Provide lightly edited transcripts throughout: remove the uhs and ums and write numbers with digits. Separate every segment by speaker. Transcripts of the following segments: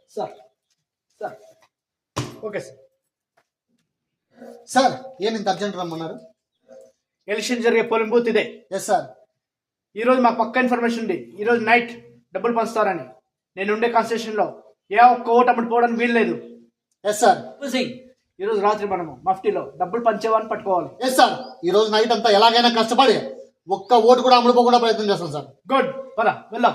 Speaker 1: Sir sir okay sir. Sir ఏం ఇంత urgent రమ్మన్నారు? ఎలక్షన్ జరిగే పోలింగ్ బూత్ ఇదే. Yes sir. ఈరోజు మాకు పక్క ఇన్ఫర్మేషన్ ఉంది, ఈరోజు నైట్ డబ్బులు పంచుతారని. నేను ఉండే కాన్స్టిట్యూషన్లో ఏ ఒక్క ఓటు అమ్మటి పోవడానికి వీల్లేదు. Yes sir. ఈరోజు రాత్రి మనము మఫ్టీలో డబ్బులు పంచేవాన్ని పట్టుకోవాలి. Yes sir. ఈరోజు నైట్ అంతా ఎలాగైనా కష్టపడి ఒక్క ఓటు కూడా అమ్ముడుపోకుండా ప్రయత్నం చేస్తాం సార్. గుడ్, పద వెళ్దాం.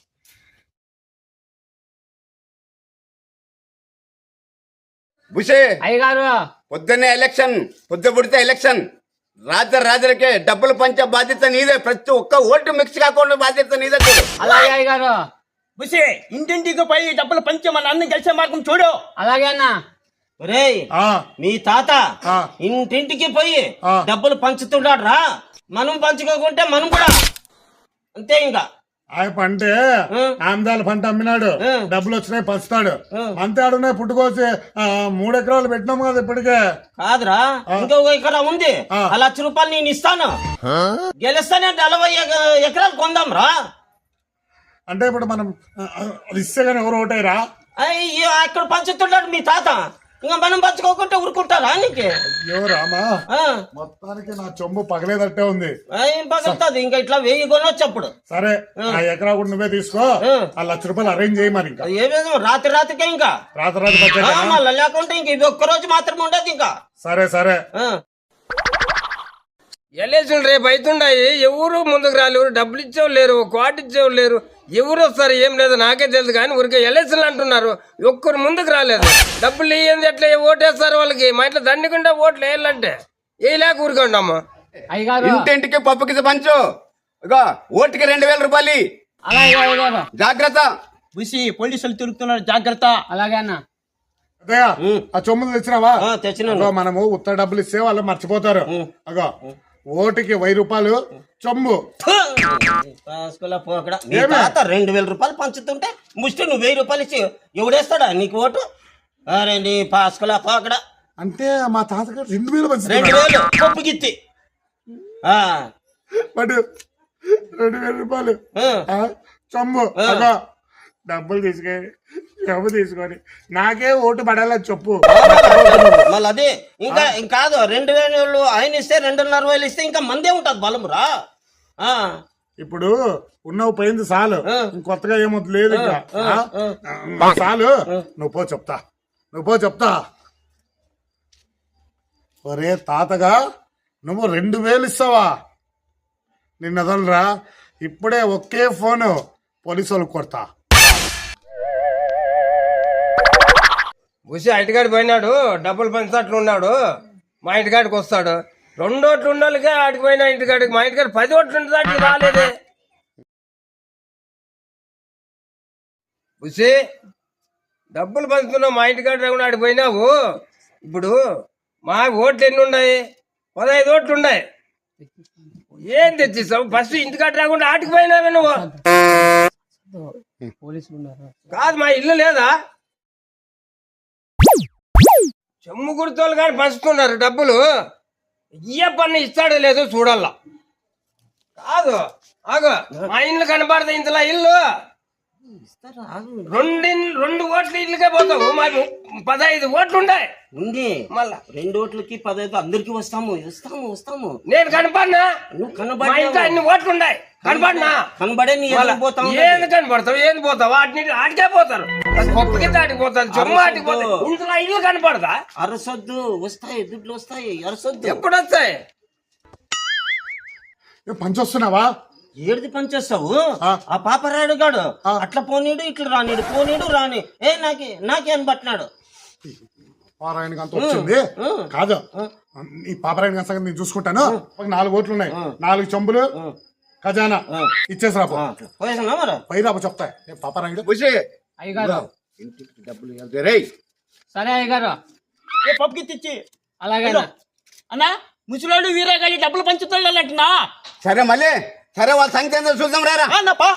Speaker 2: బుషే
Speaker 3: అయ్యగారు
Speaker 2: పొద్దున్నే ఎలక్షన్, పొద్దు పుడితే ఎలక్షన్. రాజులకే డబ్బులు పంచే బాధ్యత నీదే. ప్రతి ఒక్క ఓటు మిక్స్ కాకుండా బాధ్యత నీదే.
Speaker 3: అలాగే అయ్యగారు.
Speaker 4: బుషి ఇంటింటికి పోయి డబ్బులు పంచి మన అన్ని గెలిచే మార్గం చూడు.
Speaker 3: అలాగే అన్న.
Speaker 4: ఒరేయ్ మీ తాత ఇంటింటికి పోయి డబ్బులు పంచుతున్నాడు రా. మనం పంచుకోకుంటే మనం కూడా అంతే. ఇంకా
Speaker 5: అంటే ఆమ్దాల పంట అమ్మినాడు, డబ్బులు వచ్చినాయి పంచుతాడు. అంతే ఆడున్నాయి పుట్టుకోసి 3 ఎకరాలు పెట్టినాము కదా ఇప్పటికే.
Speaker 4: కాదురా, ఇంకొక ఎకరా ఉంది. ఆ ₹1,00,000 నేను ఇస్తాను. గెలుస్తానే 40 ఎకరాలు కొందాం రా.
Speaker 5: అంటే ఇప్పుడు మనం అది ఇస్తే గానీ ఎవరు ఓటేరా?
Speaker 4: అయ్యో అక్కడ పంచుతున్నాడు మీ తాత, ఇంకా మనం పంచుకోకుంటే ఊరుకుంటారా నీకు?
Speaker 5: అయ్యో రామా, మొత్తానికి నా చెంబు పగలేదట్టే ఉంది.
Speaker 4: ఏం పగులుతుంది? ఇంకా ఇట్లా 1000 కొనొచ్చు అప్పుడు.
Speaker 5: సరే, ఆ ఎకరా కూడా నువ్వే తీసుకో. ₹1,00,000 అరేంజ్ చేయి మరి. ఇంకా
Speaker 4: ఏమేదో రాత్రికే ఇంకా
Speaker 5: రాత్రి
Speaker 4: మళ్ళీ లేకుంటే ఇంక ఇది ఒక్కరోజు మాత్రం ఉండదు ఇంకా.
Speaker 5: సరే సరే.
Speaker 6: ఎలక్షన్ రేపు అవుతుండాయి. ఎవరు ముందుకు రాలేరు, డబ్బులు ఇచ్చేవాళ్ళు లేరు, కోటి ఇచ్చేవాళ్ళు లేరు. ఎవరు వస్తారు ఏం లేదు నాకే తెలుసు. కానీ ఊరికే ఎలక్షన్లు అంటున్నారు, ఒక్కరు ముందుకు రాలేదు. డబ్బులు ఇయ్యంది ఎట్లా ఓటేస్తారు వాళ్ళకి? మా ఇంట్లో దండికుండా ఓట్లు వేయాలంటే వేయలేక ఊరుకుంటాము.
Speaker 3: అయ్యగారు
Speaker 2: ఇంటింటికి పప్పుకి పంచు. ఇగో ఓటుకి ₹2,000.
Speaker 3: అలాగే అయ్యగారు.
Speaker 2: జాగ్రత్త.
Speaker 4: బుసి పోలీసులు తిరుగుతున్నారు, జాగ్రత్త.
Speaker 3: అలాగే అన్న.
Speaker 5: అదే ఆ చొమ్ములు తెచ్చినావా?
Speaker 4: తెచ్చినా.
Speaker 5: మనము ఉత్తర డబ్బులు ఇస్తే వాళ్ళు మర్చిపోతారు. అగో ఓటుకి ₹1000 చొమ్ము.
Speaker 4: మీ తాత ₹2,000 పంచుతుంటే ముష్టి నువ్వు ₹1,000 ఇచ్చి ఎవడేస్తాడా నీకు ఓటు? రండి పాస్కులా పోకడా.
Speaker 5: అంటే మా తాతగారు 2,000 పంచుతారు.
Speaker 4: 2,000 పప్పు గిత్తి.
Speaker 5: బట్ ₹2,000 చొమ్ము. అగో డబ్బులు తీసుకొని నాకే ఓటు పడాలని చెప్పు.
Speaker 4: మళ్ళీ అదే ఇంకా కాదు, 2,000 ఆయన ఇస్తే 2,500 ఇస్తే ఇంకా మందే ఉంటది బలమురా.
Speaker 5: ఇప్పుడు ఉన్నవు పోయింది చాలు, ఇంకొత్తగా ఏమొద్దు లేదు. ఇంకా చాలు, నువ్వు పో చెప్తా. ఒరే తాతగా, నువ్వు 2,000 ఇస్తావా? నిన్నదలరా, ఇప్పుడే ఒకే ఫోను పోలీసు వాళ్ళకి కొడతా.
Speaker 6: బుసి ఇంటికాడికి పోయినాడు, డబ్బులు పంచినట్లు ఉన్నాడు. మా ఇంటికాడికి వస్తాడు. 2 ఓట్లు ఉన్నోళ్ళకే ఆడికి పోయినా ఇంటికాడికి. మా ఇంటికాడ 10 ఓట్లు ఉంటుంది, ఆడికి రాలేదే. బుసి డబ్బులు పంచుతున్నావు, మా ఇంటికాడ రాకుండా ఆడికి పోయినావు. ఇప్పుడు మా ఓట్లు ఎన్ని ఉన్నాయి? 15 ఓట్లు ఉన్నాయి. ఏం తెచ్చిస్తావు? ఫస్ట్ ఇంటికాడ రాకుండా ఆటికి పోయినావే నువ్వు. కాదు, మా ఇల్లు లేదా? చెమ్ము గుర్తోళ్ళు కానీ పంచుతున్నారు డబ్బులు. ఏ పన్ను ఇస్తాడో లేదో చూడాల. కాదు ఆగో, మా ఇల్లు కనబడదు ఇంతలా. ఇల్లు 2 ఓట్లు ఇల్లుకే పోతావు. మాకు 15 ఓట్లు ఉన్నాయి.
Speaker 4: ఉంది మళ్ళా 2 ఓట్లకి 15 అందరికి వస్తాము. నేను
Speaker 6: కనపడినా?
Speaker 4: నువ్వు
Speaker 6: మా ఇంట్లో అన్ని ఓట్లు ఉన్నాయి. కనపడినా?
Speaker 4: కనబడే నీ పోతావు.
Speaker 6: ఏంది కనపడతావు? ఏంది పోతావు? ఆడికే పోతారు. కొత్త కింద ఆడికి పోతారు, చెమ్మ ఆడికి పోతారు. ఇంట్లో ఇల్లు కనపడదా?
Speaker 4: అరసొద్దు, వస్తాయి దుడ్లు వస్తాయి. అరసొద్దు.
Speaker 6: ఎప్పుడు వస్తాయి?
Speaker 5: పంచొస్తున్నావా?
Speaker 4: ఏడిది పనిచేస్తావు? ఆ పాపరాడు గాడు అట్లా పోనీడు, ఇట్లా రాని నాకే అని పట్టినాడు.
Speaker 5: పారాయణ అంత వచ్చింది కాదు. ఈ పాపరాయణ సంగతి నేను చూసుకుంటాను. 4 ఓట్లు ఉన్నాయి, 4 చెంబులు ఖజానా ఇచ్చేసిరా.
Speaker 4: పోయేసా మరి
Speaker 5: పైరాప చెప్తా. పాపరాయణ
Speaker 3: అయ్యగారు.
Speaker 2: ఇంటికి డబ్బులు రే.
Speaker 3: సరే అయ్యగారు.
Speaker 4: పప్పుకి తెచ్చి.
Speaker 3: అలాగే
Speaker 4: అన్నా, ముసలాడు వీరేగాడి డబ్బులు పంచుతాడంటున్నా.
Speaker 2: సరే మళ్ళీ సరే, వాళ్ళ సంగతి ఏందో చూద్దాం రారా.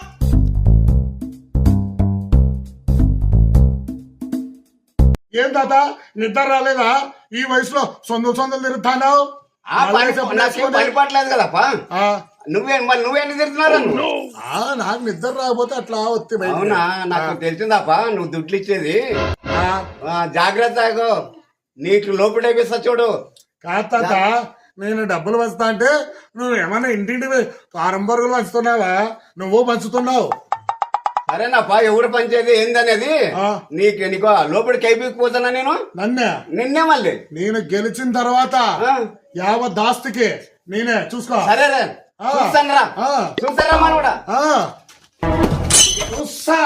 Speaker 5: ఏం తాత నిద్ర రాలేదా? ఈ వయసులో సొందలు తిరుగుతాను.
Speaker 2: పరిపట్లేదు కదప్పా. నువ్వేం తిరుగుతున్నారు
Speaker 5: నాకు నిద్ర రాకపోతే అట్లా వస్తే బయటికి.
Speaker 2: అవునా నాకు తెలిసిందాపా నువ్వు దుడ్లు ఇచ్చేది జాగ్రత్త నీకు లోపడేపిస్తా చూడు.
Speaker 5: కాదు తాత, నేను డబ్బులు వస్తా అంటే నువ్వు ఏమన్నా ఇంటింటి కారం బరుగులు పంచుతున్నావా? నువ్వు పంచుతున్నావు.
Speaker 2: సరేనాపా ఎవరు పంచేది ఏందనేది నీకు లోపలికి అయిపోయిపోతున్నా నేను నిన్నే మళ్ళీ
Speaker 5: నేను గెలిచిన తర్వాత యావత్ దాస్తికి నేనే చూసుకో.
Speaker 2: సరే చూస్తానరా చూస్తారా మన కూడా
Speaker 5: చూస్తా.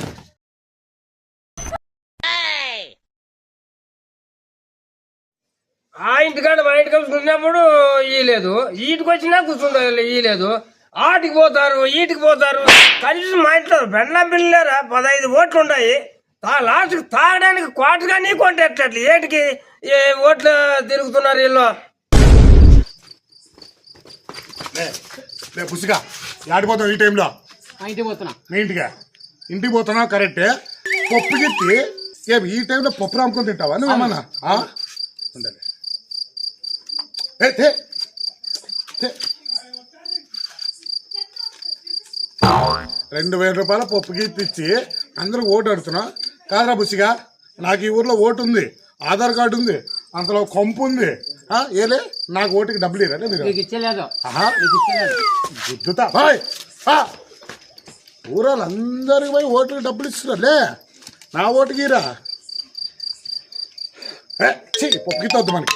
Speaker 6: ఆ ఇంటికాడ మా ఇంటికి కూర్చున్నప్పుడు ఇయ్యలేదు, ఈటికి వచ్చినా కూర్చుంటారు ఇయ్యలేదు. ఆటికి పోతారు ఈటికి పోతారు. కనీసం మా ఇంట్లో బెల్లం పిల్లలేరా 15 ఓట్లు ఉన్నాయి. లాస్ట్కి తాగడానికి క్వార్టర్గా నీ కొంటే ఎట్లా ఏటికి ఓట్లు తిరుగుతున్నారు వీళ్ళు.
Speaker 5: పుసిగా ఆడిపోతావు ఈ టైంలో.
Speaker 3: మా ఇంటికి పోతున్నా.
Speaker 5: మీ ఇంటికి పోతున్నావు కరెక్టే. పప్పు గిట్టి ఈ టైంలో పప్పు రాముకొని తింటావా నువ్వేమన్నా? ఉండాలి 2,000 రూపాయల పప్పు గిట్టి ఇచ్చి అందరూ ఓటు అడుగుతున్నావు కాదరా బుసిగా. నాకు ఈ ఊర్లో ఓటు ఉంది, ఆధార్ కార్డు ఉంది, అంతలో కొంపు ఉంది. ఏలే నాకు ఓటుకి డబ్బులు ఇరా మీరు?
Speaker 3: నీకు ఇచ్చలేదు.
Speaker 5: గుద్దుతా బాయ్. ఊరాలు అందరికి పోయి ఓట్లకి డబ్బులు ఇస్తున్నారులే, నా ఓటుకి ఇరా. పప్పు గిత్త వద్దు మనకి.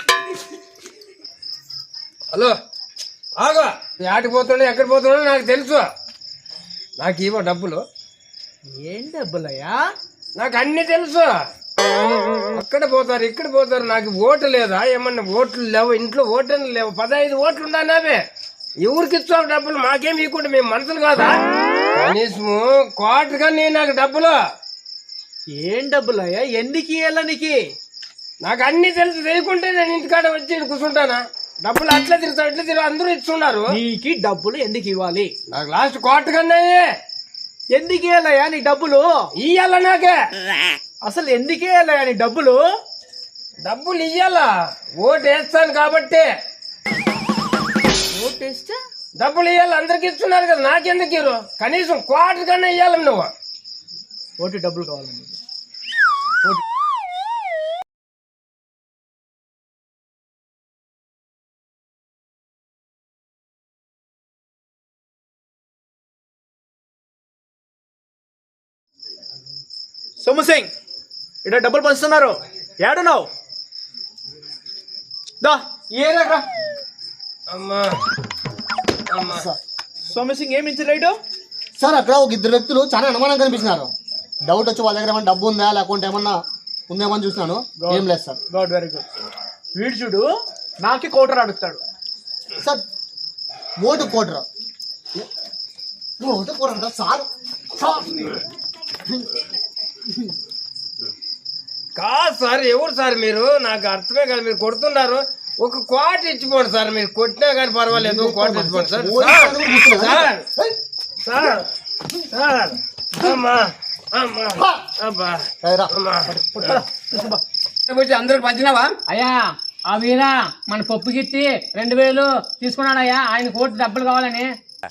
Speaker 6: హలో ఆగో, ఆటికి పోతుండే ఎక్కడ పోతుండో నాకు తెలుసు. నాకు ఇవ్వ డబ్బులు.
Speaker 1: ఏం డబ్బులయ్యా?
Speaker 6: నాకు అన్ని తెలుసు. అక్కడ పోతారు ఇక్కడ పోతారు. నాకు ఓటు లేదా? ఏమన్నా ఓట్లు లేవు ఇంట్లో? ఓట్లు లేవు. 15 ఓట్లు ఉన్నావే. ఎవరికి ఇస్తావు డబ్బులు? మాకేం ఇవ్వకుండా మేము మనుషులు కాదా? కనీసము క్వార్టర్గా నాకు డబ్బులు.
Speaker 1: ఏం డబ్బులయ్యా? ఎందుకు ఇయ్యాల నీకు?
Speaker 6: నాకు అన్ని తెలుసు. తెలియకుంటే నేను ఇంటికాడ వచ్చి కూర్చుంటానా? డబ్బులు అట్లా తిరుగుతావు ఇట్లా తిరుగు అందరూ ఇస్తున్నారు.
Speaker 1: నీకు డబ్బులు ఎందుకు ఇవ్వాలి?
Speaker 6: నాకు లాస్ట్ క్వార్టర్గానే
Speaker 1: ఎందుకు ఇయ్యాలయ్యా నీ డబ్బులు?
Speaker 6: ఇయ్యాల నాకే.
Speaker 1: అసలు ఎందుకు ఇయ్యాలయ్యా నీ డబ్బులు?
Speaker 6: డబ్బులు ఇయ్యాలా? ఓటు వేస్తాను కాబట్టి.
Speaker 1: ఓటేస్తే
Speaker 6: డబ్బులు ఇవ్వాలి. అందరికి ఇస్తున్నారు కదా, నాకెందుకు ఇరు? కనీసం క్వార్టర్ కన్నా ఇవ్వాలి నువ్వు.
Speaker 1: ఓటు డబ్బులు కావాలి నీకు. సోము సింగ్ ఇక్కడ డబ్బులు పంచుతున్నారు. ఏడున్నావు? దా ఏరా.
Speaker 6: అమ్మా అమ్మా
Speaker 1: సోము సింగ్ ఏమి ఇచ్చి రైట్
Speaker 7: సార్ అక్కడ ఒక 2 వ్యక్తులు చాలా అనుమానం కనిపించినారు. డౌట్ వచ్చి వాళ్ళ దగ్గర ఏమైనా డబ్బు ఉందా లేకుంటే ఏమన్నా ఉందేమో అని చూసినాను. ఏం లేదు సార్.
Speaker 1: Good, very good. వీడు చూడు నాకే కోటర్ అడుగుతాడు.
Speaker 7: సార్ ఓటు కోటరా? ఓటు కోటరా సార్?
Speaker 6: కాదు సార్, ఎవరు సార్ మీరు? నాకు అర్థమే కాదు. మీరు కొడుతున్నారు. ఒక క్వార్టర్ ఇచ్చిపోండి సార్. మీరు కొట్టినా కానీ పర్వాలేదు. క్వార్టర్ ఇచ్చిపోండి సార్. సార్ సార్ సార్ అమ్మా అమ్మా అబ్బా అమ్మా.
Speaker 2: అందరికి పంచినావా?
Speaker 3: అయ్యా ఆ వీరా మన పప్పు గిట్టి 2,000 తీసుకున్నాడయ్యా. ఆయన కోటి డబ్బులు కావాలని.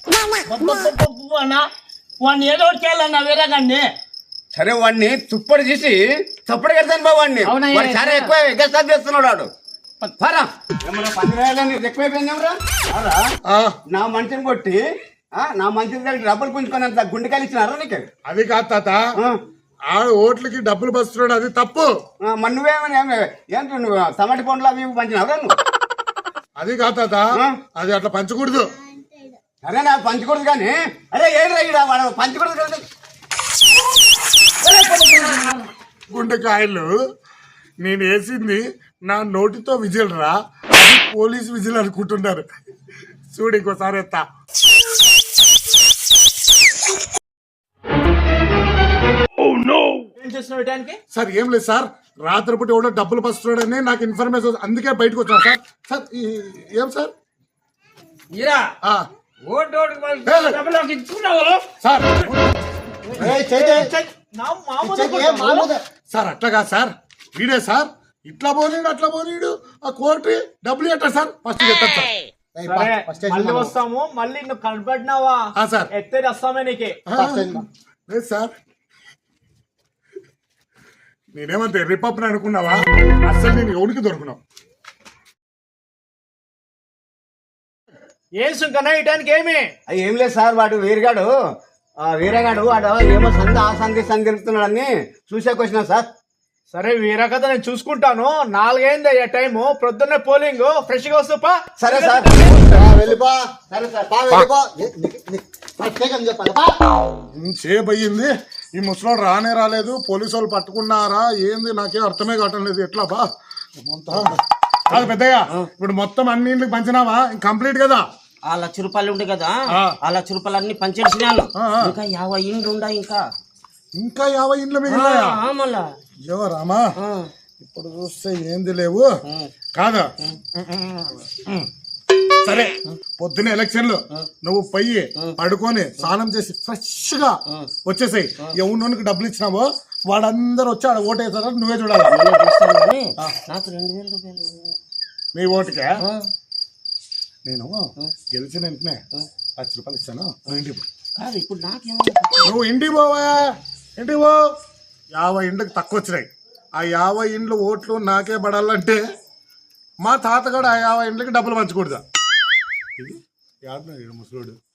Speaker 4: వాడిని ఏదో ఒకటి చేయాలన్నా వేరే కానీ.
Speaker 2: సరే వాడిని తుప్పడి చేసి తప్పుడు కడతాను బా వాడిని.
Speaker 3: అవునయ్యా.
Speaker 2: వాడు చాలా ఎక్కువ ఎగస్టాప్ చేస్తున్నాడు వాడు. ఎక్కువైపోయింది ఎవరా? నా మనిషిని కొట్టి నా మనిషి దగ్గర డబ్బులు పుంజుకున్నంత గుండెకాయలు ఇచ్చినారా నీకు?
Speaker 5: అది కాదు తాత, ఆ ఓట్లకి డబ్బులు పంచుతున్నాడు, అది తప్పు.
Speaker 2: మరి నువ్వేమని ఏంటి నువ్వు టమాటి పండ్లు అవి పంచినావురా నువ్వు?
Speaker 5: అది కాదు తాత, అది అట్లా పంచకూడదు.
Speaker 2: అరే నాకు పంచకూడదు కానీ అరే ఏడు వాడు పంచకూడదు కదా.
Speaker 5: గుండెకాయలు నేను వేసింది నా నోటితో విజిల్ రా, అది పోలీస్ విజిల్ అనుకుంటున్నారు. చూడు ఇంకోసారి ఎత్తా.
Speaker 1: ఏం చేస్తున్నావు ఇటానికి?
Speaker 5: సార్ ఏం లేదు సార్, రాత్రిపూట ఎవడో డబ్బులు పంచుతున్నాడని నాకు ఇన్ఫర్మేషన్, అందుకే బయటకు వచ్చాను సార్. సార్ ఏం సార్?
Speaker 6: ఇరా
Speaker 5: ఆ,
Speaker 6: ఓటు డబ్బులు ఇచ్చుకున్నావు
Speaker 5: సార్
Speaker 7: మామూలుగా
Speaker 5: సార్ అట్లా కాదు సార్, వీడే సార్ ఇట్లా పోనీడు అట్లా పోనీడు. ఆ కోర్టు డబ్బులు ఎట్టా సార్? ఫస్ట్ చెప్తాను సార్.
Speaker 7: ఏయ్,
Speaker 1: సరే
Speaker 7: ఫస్ట్ స్టేషన్
Speaker 1: మళ్ళీ
Speaker 7: మనం.
Speaker 1: వస్తాము, మళ్ళీ నువ్వు కనపడినావా
Speaker 5: సార్
Speaker 1: ఎత్తేది వస్తామే నీకే.
Speaker 7: ఫస్ట్ స్టేషన్ మనం.
Speaker 5: లేదు సార్, నేనేమంటే రిపబ్ని అనుకున్నావా? అసలు నేను ఎవరికి దొరుకున్నావు?
Speaker 1: ఏం సుంకన్నా ఈ టైంకి ఏమి?
Speaker 2: అది ఏం లేదు సార్, వాడు వీరగాడు వాడు ఏమో సంధి ఆ సంధి సంధి తిరుగుతున్నాడని చూసేకి వచ్చినా సార్.
Speaker 1: సరే వీరకథ నేను చూసుకుంటాను. 4 అయింది అయ్యా టైము, ప్రొద్దున్నే పోలింగ్, ఫ్రెష్ గా వస్తూ పా.
Speaker 2: సరే సార్.
Speaker 7: వెళ్ళిపో.
Speaker 2: సరే సార్.
Speaker 7: వెళ్ళిపో. ఫస్ట్ స్టేషన్ చెప్పాలి.
Speaker 5: సేపు అయ్యింది, ఈ ముసలోడు రానే రాలేదు, పోలీసు వాళ్ళు పట్టుకున్నారా ఏంది నాకేం అర్థమే కావటం లేదు. ఎట్లా బా కాదు పెద్దయ్య, ఇప్పుడు మొత్తం అన్ని ఇండ్లకు పంచినావా? కంప్లీట్ కదా?
Speaker 4: ఆ ₹1,00,000 ఉండే కదా, ఆ ₹1,00,000 అన్ని పంచేసినాను. ఇంకా 50 ఇండ్లు ఉండా ఇంకా.
Speaker 5: ఇంకా 50 ఇండ్లు మిగిలినాయా?
Speaker 4: మళ్ళా
Speaker 5: అయ్యో రామా, ఇప్పుడు చూస్తే ఏంది లేవు కాదా? సరే, పొద్దున ఎలక్షన్లు నువ్వు పోయి పడుకొని స్నానం చేసి ఫ్రెష్ గా వచ్చేసాయి. ఎవరికి డబ్బులు ఇచ్చినావో వాడందరూ వచ్చి ఆడ ఓటేస్తారా నువ్వే చూడాలి.
Speaker 4: నాకు ₹2,000.
Speaker 5: నీ ఓటుకే నేను గెలిచిన వెంటనే ₹1,00,000 ఇస్తాను. నువ్వు ఇంటికి పో.
Speaker 4: కాదు ఇప్పుడు నాకేమో
Speaker 5: నువ్వు ఇంటికి పోవా, ఇంటికి పో. 50 ఇండ్లకు తక్కువ వచ్చినాయి. ఆ 50 ఇండ్లు ఓట్లు నాకే పడాలంటే మా తాతగాడు ఆ 50 ఇండ్లకి డబ్బులు పంచకూడదా? ఇది ముసలోడు